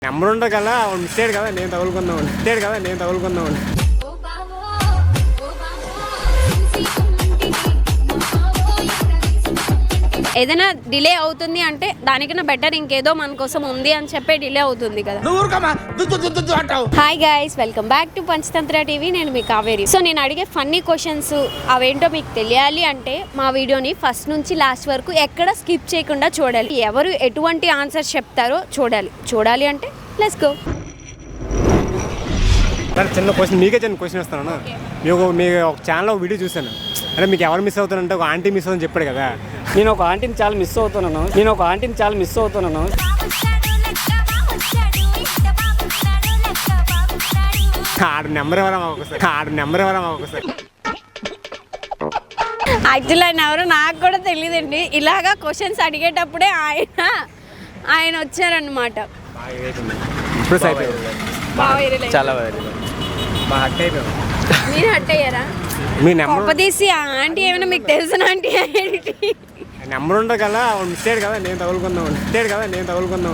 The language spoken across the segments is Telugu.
నెంబర్ ఉండే కదా మిస్టేడ్ కదా నేను తగులుకుందాం ఏదైనా డిలే అవుతుంది అంటే దానికన్నా బెటర్ ఇంకేదో మన కోసం ఉంది అని చెప్పే డిలే అవుతుంది కదా. Hi guys, welcome back to Panchatantra TV. నేను మీ కావేరి. సో నేను అడిగే ఫన్నీ క్వశ్చన్స్ అవేంటో మీకు తెలియాలి అంటే మా వీడియోని ఫస్ట్ నుంచి లాస్ట్ వరకు ఎక్కడ స్కిప్ చేయకుండా చూడాలి. ఎవరు ఎటువంటి ఆన్సర్స్ చెప్తారో చూడాలి అంటే లెట్స్ గో. చిన్న క్వశ్చన్ వస్తాను. మీకు ఒక ఛానల్లో వీడియో చూసాను. అంటే మీకు ఎవరు మిస్ అవుతారంటే ఒక ఆంటీ మిస్ అవుతుందని చెప్పాడు కదా. నేను ఒక ఆంటీని చాలా మిస్ అవుతున్నాను. ఆడ నెంబర్ ఎవరా ఒకసారి యాక్చువల్లీ ఆయన ఎవరో నాకు కూడా తెలియదండి. ఇలాగా క్వశ్చన్స్ అడిగేటప్పుడే ఆయన వచ్చారనమాట. చాలా మీరు హట్ అయ్యారా? మీ నెంబర్ తీసి ఆంటీ ఏమైనా మీకు తెలిసిన ఆంటీ నెంబర్ ఉండే కదా మిస్టేడ్ కదా నేను తగులుకుందాం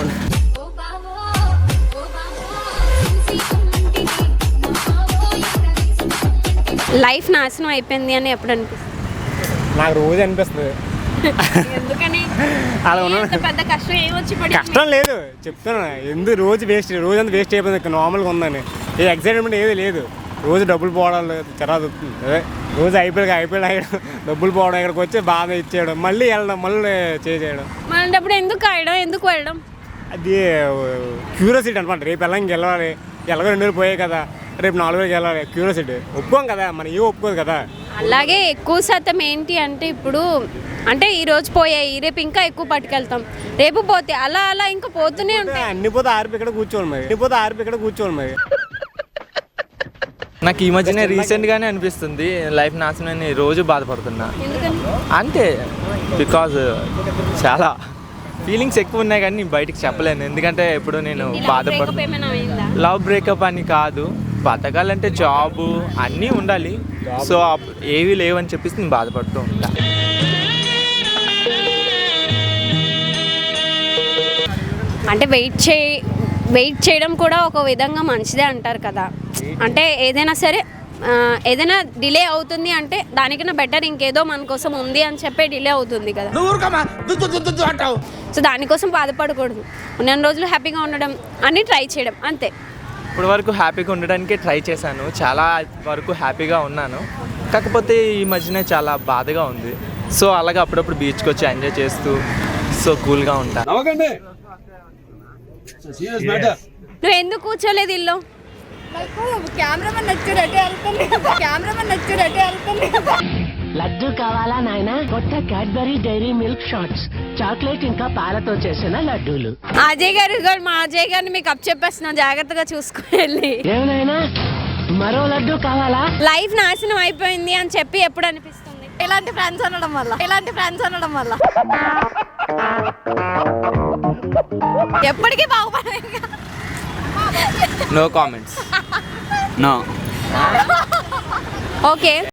లైఫ్ నాశనం అయిపోయింది అని ఎప్పుడు అనిపిస్తుంది? నాకు రోజు అనిపిస్తుంది. ఎందుకని? అలా పెద్ద కష్టం ఏమొచ్చి కష్టం లేదు చెప్తాను. ఎందుకు రోజు అంతా వేస్ట్ అయిపోయింది. నార్మల్గా ఉందని ఏ ఎక్సైట్మెంట్ ఏది లేదు. రోజు డబ్బులు పోవడం తర్వాత అదే రోజు అయిపోయాడు డబ్బులు పోవడం, ఇక్కడికి వచ్చి బాధ ఇచ్చేయడం, మళ్ళీ వెళ్ళడం, మళ్ళీ చేయడం. మనప్పుడు ఎందుకు వెళ్ళడం అది క్యూరియాసిటీ అనమాట. రేపు వెళ్ళాలి, ఎలాగో 2 రోజులు పోయాయి కదా, రేపు 4 రోజులకి వెళ్ళాలి. క్యూరియాసిటీ ఒప్పుకోం కదా, మనం ఏం ఒప్పుకోదు కదా. అలాగే ఎక్కువ శాతం ఏంటి అంటే ఇప్పుడు అంటే ఈ రోజు పోయాయి, రేపు ఇంకా ఎక్కువ పట్టుకెళ్తాం, రేపు పోతే అలా ఇంకా పోతూనే ఉంటాయి. అన్ని పోతే ఆర్పి ఇక్కడ కూర్చోవాలి మరి. నాకు ఈ మధ్యనే రీసెంట్గానే అనిపిస్తుంది లైఫ్ నాశనం రోజు బాధపడుతున్నా. అంతే, బికాజ్ చాలా ఫీలింగ్స్ ఎక్కువ ఉన్నాయి కానీ బయటికి చెప్పలేను. ఎందుకంటే ఇప్పుడు నేను బాధపడుతున్నా. లవ్ బ్రేకప్ అని కాదు, బతకాలంటే జాబు అన్నీ ఉండాలి. సో ఏవి లేవని చెప్పేసి నేను బాధపడుతూ ఉంటా. అంటే వెయిట్ చేయడం కూడా ఒక విధంగా మంచిదే అంటారు కదా. అంటే ఏదైనా డిలే అవుతుంది అంటే దానికన్నా బెటర్ ఇంకేదో మన కోసం ఉంది అని చెప్పే డిలే అవుతుంది కదా. సో దానికోసం బాధపడకూడదు. ఉన్న రోజులు హ్యాపీగా ఉండడం అన్ని ట్రై చేయడం అంతే. ఇప్పటి వరకు హ్యాపీగా ఉండడానికే ట్రై చేశాను, చాలా వరకు హ్యాపీగా ఉన్నాను. కాకపోతే ఈ మధ్యనే చాలా బాధగా ఉంది. సో అలాగే అప్పుడప్పుడు బీచ్కి వచ్చి ఎంజాయ్ చేస్తూ సో కూల్గా ఉంటాను. నువ్వు ఎందుకు కూర్చోలేదు ఇల్లు? లడ్డు కావాలా నాయనా? కొత్త Cadbury Dairy Milk Shots, chocolate ఇంకా పాలతో చేసిన లడ్డూలు. అజయ్ గారు మా అజయ్ గారిని మీకు అప్ చెప్పేస్తున్నాం, జాగ్రత్తగా చూసుకోవాలి. ఏమైనా మరో లడ్డు కావాలా? లైఫ్ నాశనం అయిపోయింది అని చెప్పి ఎప్పుడు అనిపిస్తుంది? ఇలాంటి ఫ్రెండ్స్ అనడం వల్ల ఎప్పటికీ బాగుపడే. No comments. నో. ఓకే.